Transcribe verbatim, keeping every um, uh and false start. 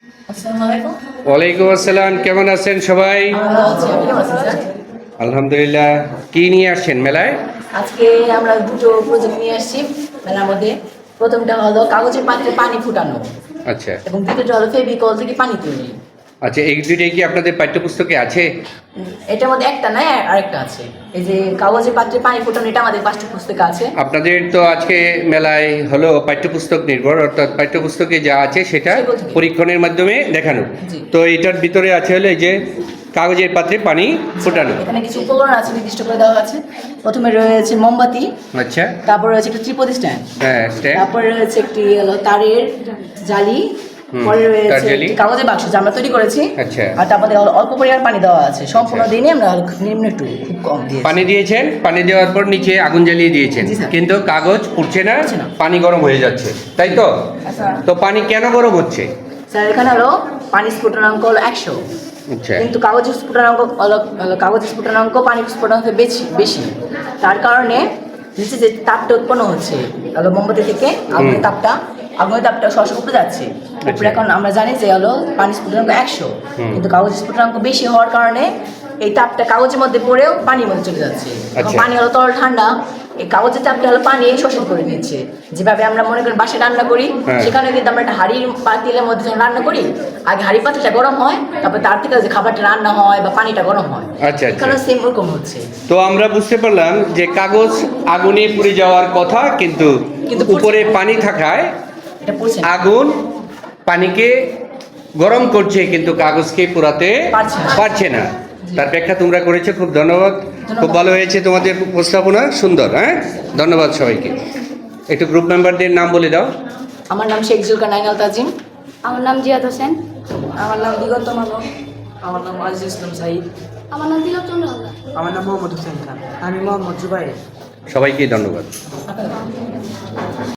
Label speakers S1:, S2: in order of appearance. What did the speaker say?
S1: ওয়ালাইকুম আসসালাম, কেমন আছেন সবাই? আলহামদুলিল্লাহ। কি নিয়ে আসছেন মেলায়?
S2: আজকে আমরা দুটো প্রজেক্ট নিয়ে আসছি মেলার মধ্যে। প্রথমটা হলো কাগজের পাত্রে পানি ফুটানো,
S1: আচ্ছা
S2: এবং দ্বিতীয়টা হলো ফেভিকল থেকে পানি তৈরি।
S1: আচ্ছা, এই দুইটাই কি আপনাদের পাঠ্যপুস্তকে আছে?
S2: এটার মধ্যে একটা নাই, আরেকটা আছে। এই যে কাগজের পাত্রে পানি ফুটানো, এটা আমাদের পাঠ্যপুস্তকে আছে।
S1: আপনাদের তো আজকে মেলায় হলো পাঠ্যপুস্তক নির্ভর, অর্থাৎ পাঠ্যপুস্তকে যা আছে সেটা
S2: সেগুলো থেকে।
S1: পরীক্ষণের মাধ্যমে দেখানো।
S2: জি।
S1: তো এটার ভিতরে আছে হলো এই যে কাগজের পাত্রে পানি ফোটানো।
S2: এখানে কিছু উপকরণ আছে, নির্দিষ্ট করে দেওয়া আছে। প্রথমে রয়েছে মোমবাতি,
S1: আচ্ছা,
S2: তারপর রয়েছে একটা ত্রিপদ স্ট্যান্ড,
S1: হ্যাঁ স্ট্যান্ড,
S2: তারপরে রয়েছে একটি হলো তারের জালি, পরে
S1: তার
S2: রয়েছে
S1: জালি।
S2: একটি কাগজের বাক্স যা আমরা তৈরি করেছি।
S1: আচ্ছা।
S2: আর তারপরে হলো অল্প পরিমাণ পানি দেওয়া আছে, সম্পূর্ণ
S1: আচ্ছা।
S2: দিনে আমরা নিম্ন একটু খুব কম দিয়েছি।
S1: পানি দিয়েছেন, পানি দেওয়ার পর নিচে আগুন জ্বালিয়ে দিয়েছেন,
S2: জি, স্যার।
S1: কিন্তু কাগজ পুড়ছে না,
S2: পুড়ছে না।
S1: পানি গরম হয়ে যাচ্ছে, তাই তো?
S2: আচ্ছা।
S1: তো পানি কেন গরম হচ্ছে?
S2: স্যার এখানে হলো পানি স্ফুটনাঙ্ক হলো একশো,
S1: আচ্ছা
S2: কিন্তু কাগজের স্ফুটনাঙ্ক হলো হলো কাগজের স্ফুটনাঙ্ক পানি স্ফুটনাঙ্ক বেশি বেশি তার কারণে নিচে যে তাপটা উৎপন্ন হচ্ছে হলো মোমবাতি থেকে, আগুনের তাপটা আগুনের তাপটা সরাসরি উপরে যাচ্ছে উপরে। এখন আমরা জানি যে হলো পানি স্ফুটনাঙ্ক একশো, কিন্তু কাগজের স্ফুটনাঙ্ক বেশি হওয়ার কারণে এই তাপটা কাগজের মধ্যে পড়েও পানির মধ্যে চলে যাচ্ছে। এখন
S1: আচ্ছা।
S2: পানি হলো তরল ঠান্ডা, এই কাগজের চাপটা হলো পানি শোষণ করে নিচ্ছে। যেভাবে আমরা মনে করি বাসায় রান্না করি,
S1: হ্যাঁ।
S2: সেখানে কিন্তু আমরা একটা হাঁড়ির পাতিলের মধ্যে যখন রান্না করি, আগে হাঁড়ি পাতিলটা গরম হয়, তারপর তার থেকে যে খাবারটা রান্না হয় বা পানিটা গরম হয়।
S1: আচ্ছা, আচ্ছা।
S2: এখানে সেম ওরকম হচ্ছে।
S1: তো আমরা বুঝতে পারলাম যে কাগজ আগুনে পুড়ে যাওয়ার কথা, কিন্তু
S2: কিন্তু পুড়ছে
S1: উপরে পানি থাকায়
S2: এটা পড়ছে না।
S1: আগুন পানিকে গরম করছে, কিন্তু কাগজকে পোড়াতে
S2: পারছে না।
S1: পারছে না। তার ব্যাখ্যা তোমরা করেছো, খুব ধন্যবাদ। খুব ভালো হয়েছে তোমাদের উপস্থাপনা, সুন্দর। হ্যাঁ, ধন্যবাদ সবাইকে। একটু গ্রুপ মেম্বারদের নাম বলে দাও।
S2: আমার নাম শেখ জুলকার নাইনাল তাজিম।
S3: আমার নাম জিয়াদ হোসেন।
S2: আমার নাম দিগন্ত মানব। আমার নাম আজিজ ইসলাম সাইদ।
S3: আমার নাম তিলক চন্দ্র হালদার।
S4: আমার নাম মোহাম্মদ হোসেন খান। আমি মোহাম্মদ জুবাইর।
S1: সবাইকে ধন্যবাদ।